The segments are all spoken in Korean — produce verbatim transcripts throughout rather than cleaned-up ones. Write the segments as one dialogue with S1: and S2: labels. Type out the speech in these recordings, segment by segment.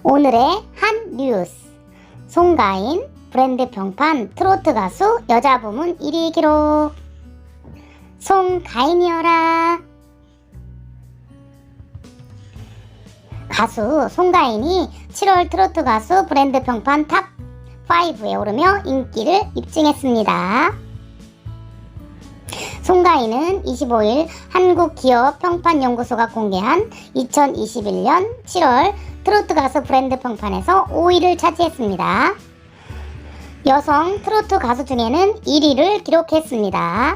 S1: 오늘의 한 뉴스. 송가인 브랜드 평판 트로트 가수 여자 부문 일 위 기록. 송가인이여라. 가수 송가인이 칠월 트로트 가수 브랜드 평판 탑 파이브에 오르며 인기를 입증했습니다. 송가인은 이십오일 한국기업평판연구소가 공개한 이천이십일년 칠월 트로트 가수 브랜드 평판에서 오 위를 차지했습니다. 여성 트로트 가수 중에는 일 위를 기록했습니다.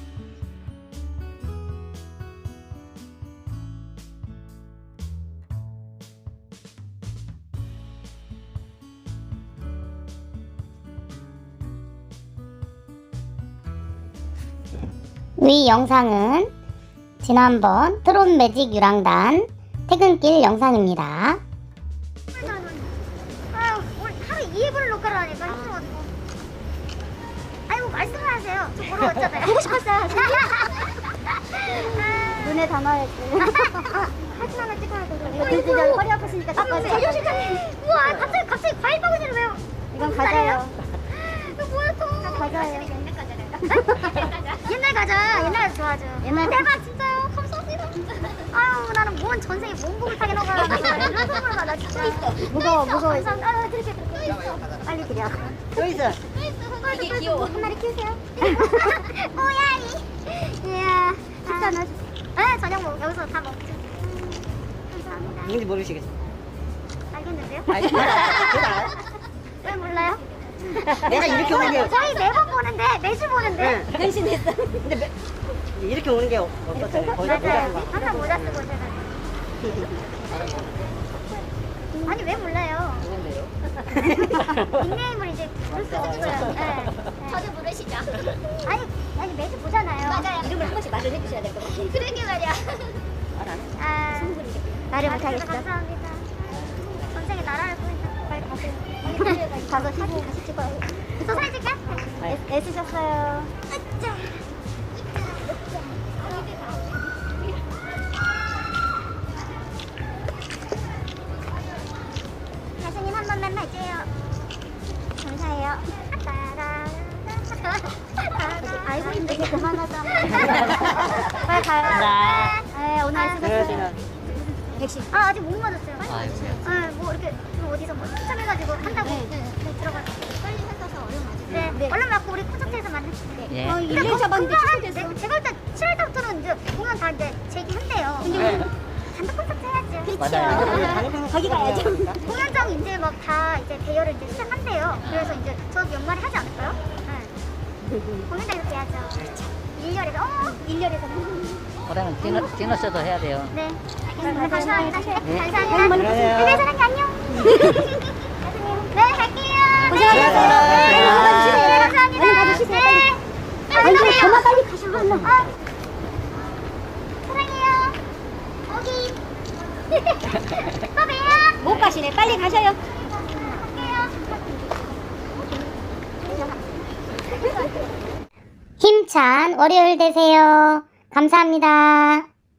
S1: 위 영상은 지난번 트롯 매직 유랑단 퇴근길 영상입니다.
S2: 아유, 오늘 하루 이에 불을 녹화를 하니까 힘들어가지고. 아이고, 말씀을 하세요. 저 보러 왔잖아요. 보고 싶었어요.
S3: 눈에 담아야지.
S2: 사진 하나 찍어야 돼.
S3: 이거 들지 허리 아프시니까 닦아줘.
S2: 재료 실장님. 우와, 갑자기, 갑자기 과일 바구니를 왜요?
S3: 이건 과자예요.
S2: 이거 뭐야, 또.
S3: 과자예요.
S2: 옛날 과자. 옛날 과자 좋아하죠.
S3: 옛날
S2: 대박, 진짜요? 감사합니다. 아유, 나는 뭔 전생에 몸국을 타게 넣어가. 나 이런 선물을 받아, 진짜.
S3: 무거워, 무거워.
S2: 감사합니다. 아, 드릴게요, 드릴게요.
S3: 빨리 드려.
S4: 또 있어.
S2: 이게 귀여워. 한 마리 키우세요. 뽀야이. 이야.
S3: 식사 나
S2: 네, 저녁 먹 여기서 다 먹죠. 음, 감사합니다.
S4: 누군지 모르시겠어.
S2: 알겠는데요?
S4: 알지? 알아.
S2: 왜 몰라요?
S4: 내가 이렇게 오는 게,
S2: 저희 매번 보는데, 매주 보는데.
S4: 응.
S3: 변신했어.
S4: 근데 매, 이렇게 오는 게 어떻잖아요. 거의 다
S2: 맞아요.
S4: 모자란 거.
S2: 항상 모자 쓰고 제가. 아니, 왜 몰라요? 닉네임을 이제 부를 수 없어요. 네.
S3: 저도 부르시죠.
S2: 아니, 아니, 매주 보잖아요.
S3: 맞아요. 이름을 한 번씩 말을 해주셔야 될 것 같아요.
S2: 그러게 말이야.
S4: 말 안 해?
S2: 아,
S3: 말을
S2: 아,
S3: 못하겠어.
S2: 감사합니다. 전생에 나라를 구했다. 빨리 가세요.
S3: 가서 사진 다시 찍어요.
S2: 저 사진 찍게?
S3: 애- 애쓰셨어요.
S2: 으쌰. 가수님 한 번만 봐줘요. 감사해요. 따라.
S3: 알고 있는데 이제 그만하자. 빨리 가요. 네, 오늘 애쓰셨어요.
S4: 그러시나.
S3: 백신.
S2: 아, 아직 못 맞았어요. 아, 뭐 이렇게 뭐 어디서 뭐 추첨해가지고 한다고
S3: 네.
S2: 네, 들어가서
S3: 빨리 하셔서 얼른 와주세요.
S2: 네,
S3: 네.
S2: 얼른 맞고 우리 콘서트에서 만나요.
S4: 예.
S3: 어, 일 년 잡았는데 취소됐어.
S2: 네, 제가 일단 칠월 달부터는 이제 공연 다 이제 재개한대요.
S4: 네.
S2: 단독 콘서트 해야죠.
S4: 맞아요.
S3: 거기 가야죠.
S2: 공연장 이제 막 다 이제 대여를 이제 시작한대요. 그래서 이제 저 연말에 하지 않을까요? 네. 공연장 이렇게 해야죠. 일 년에서 어, 일 년에서
S5: 그러면 디너, 디너쇼도 해야 돼요.
S2: 네. 알겠습니다. 감사합니다.
S5: 네.
S2: 감사합니다.
S4: 그래요.
S2: 네, 사랑해 안녕. 네, 갈게요.
S3: 고생하셨어요.
S2: 네,
S3: 네, 얼른 가주시세요.
S2: 네, 감사합니다.
S3: 얼른 가주시세요.
S2: 네.
S3: 아니,
S2: 안녕하세요.
S3: 그만 빨리 가셔. 얼른.
S2: 어. 사랑해요. 오기. 또 봬요.
S3: 못 가시네. 빨리 가셔요.
S1: 힘찬 월요일 되세요. 감사합니다.